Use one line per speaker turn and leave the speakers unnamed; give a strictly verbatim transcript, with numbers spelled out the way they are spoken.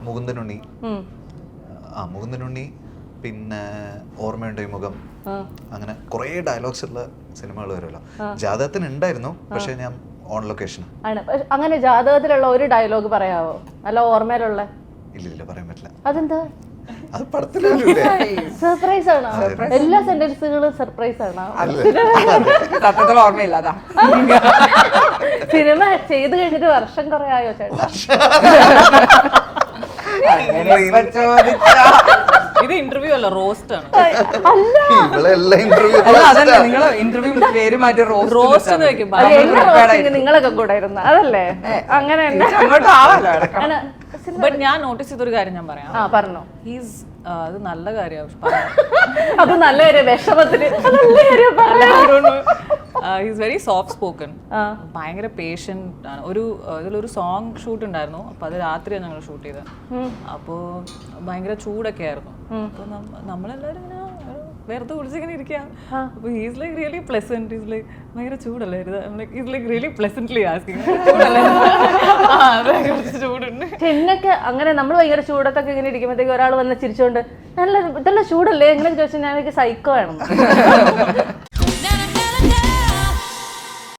മുകുന്ദനുണ്ണി, ആ മുകുന്ദനുണ്ണി, പിന്നെ ഓർമ്മയുണ്ട് ഈ മുഖം, അങ്ങനെ കുറേ ഡയലോഗ്സ് ഉള്ള സിനിമകൾ വരുമല്ലോ. ജാതകത്തിന് ഉണ്ടായിരുന്നു, പക്ഷെ ഞാൻ ഓൺ ലൊക്കേഷൻ.
അങ്ങനെ ജാതകത്തിലുള്ള ഒരു ഡയലോഗ് പറയാവോ? നല്ല ഓർമ്മയിലുള്ള?
ഇല്ലില്ല, പറയാൻ പറ്റില്ല.
അതെന്താ?
അത് പടത്തിലൂടെ
സർപ്രൈസ് ആണോ? എല്ലാ സെന്റൻസുകളും സർപ്രൈസ് ആണോ?
സത്യത്തിൽ ഓർമ്മയില്ലാതാ.
സിനിമ ചെയ്ത് കഴിഞ്ഞിട്ട് വർഷം കുറെ ആയോ ചേട്ടാ?
ഇത് ഇന്റർവ്യൂ അല്ല, റോസ്റ്റ് ആണ്.
നിങ്ങൾ ഇന്റർവ്യൂ പേര് മാറ്റി
റോസ്റ്റ് വെക്കും.
നിങ്ങളൊക്കെ കൂടെ ഇരുന്ന അതല്ലേ? അങ്ങനെ
ബട്ട് ഞാൻ നോട്ടീസ് ചെയ്തൊരു കാര്യം ഞാൻ പറയാം.
ആ പറഞ്ഞോ.
ഹീസ് അത് നല്ല കാര്യമാണ്.
അത് നല്ല കാര്യം, വിഷമത്തിന്
ഹീസ് വെരി സോഫ്റ്റ് സ്പോക്കൺ, ഭയങ്കര പേഷ്യന്റ് ആണ്. ഒരു ഇതിലൊരു സോങ് ഷൂട്ട് ഉണ്ടായിരുന്നു, അപ്പൊ അത് രാത്രിയാണ് ഞങ്ങൾ ഷൂട്ട് ചെയ്തത്. അപ്പോ ഭയങ്കര ചൂടൊക്കെ ആയിരുന്നു. അപ്പൊ നമ്മളെല്ലാരും ഇങ്ങനെ വെറുതെ കുളിച്ചിങ്ങനെ ഇരിക്കാം. അപ്പൊ he's like really pleasant. He's like ഭയങ്കര ചൂടല്ലേ, he's like really pleasantly asking ചൂടുണ്ട്.
എന്നൊക്കെ അങ്ങനെ നമ്മൾ ഭയങ്കര ചൂടത്തൊക്കെ ഇങ്ങനെ ഇരിക്കുമ്പോഴത്തേക്ക് ഒരാൾ വന്ന് ചിരിച്ചോണ്ട് നല്ല ഇതെല്ലാം ചൂടല്ലേ എങ്ങനെ ചോദിച്ചാൽ ഞാൻ എനിക്ക് സൈക്കോ വേണം.